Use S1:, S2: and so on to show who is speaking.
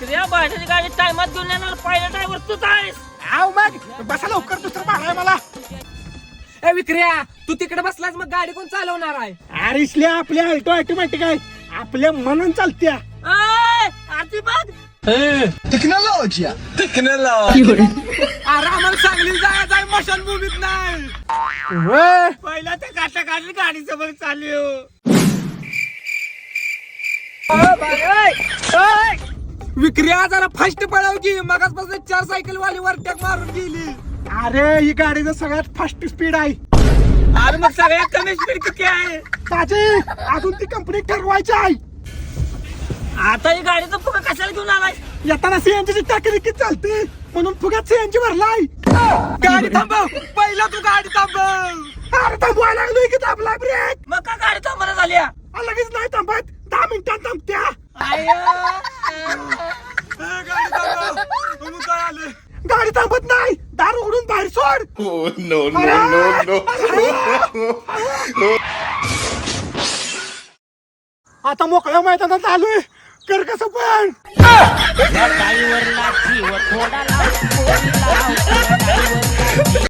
S1: विक्रिया भाड्याची गाडी टायमात घेऊन येणार पहिला ड्रायव्हर तूच आहेस.
S2: आव मग बसा लवकर दुसरं भाडं आहे मला.
S3: ए विक्रिया तू तिकडे बसलास मग गाडी कोण चालवणार आहे?
S2: अरे इसल्या आपल्या अल्टो ऑटोमॅटिक आहे आपल्या म्हणून चालत्या.
S1: आरती बघ
S4: टेक्नॉलॉजी
S3: अरे आम्हाला सांगली जाय मशान भूमीत नाही.
S2: होय
S1: पहिला ते काटा काढली गाडी समोर चालू.
S3: विक्रिया जरा फास्ट पळव की मगाचपासून 4 सायकल वाली वरट्याक मारून गेली.
S2: अरे ही गाडीचं सगळ्यात फास्ट स्पीड आहे.
S1: अरे मग सगळ्यात कमी स्पीड किती आहे?
S2: ताजे अजून ती कंपनी ठरवायची आहे.
S1: आता ही गाडीचं फुगा कशाला घेऊन आलाय?
S2: येताना सीएनजी टाकी किती चालते म्हणून फुग्यात सीएनजी भरलाय.
S3: गाडी थांबव पहिला तू गाडी थांबव.
S2: अरे थांबवायला लागलोय की थांबलाय ब्रेक.
S1: मग का गाडी थांबणार झाली?
S2: लगेच नाही थांबत 10 मिनिटात थांबत्या.
S3: गाडी थांबव म्हणून काय आले.
S2: गाडी थांबत नाही दार उघडून बाहेर सोड. आता मोकळ्या मैदानात आलोय कर कसं पण.
S1: गाडीवर लाठी व थोडा लाव,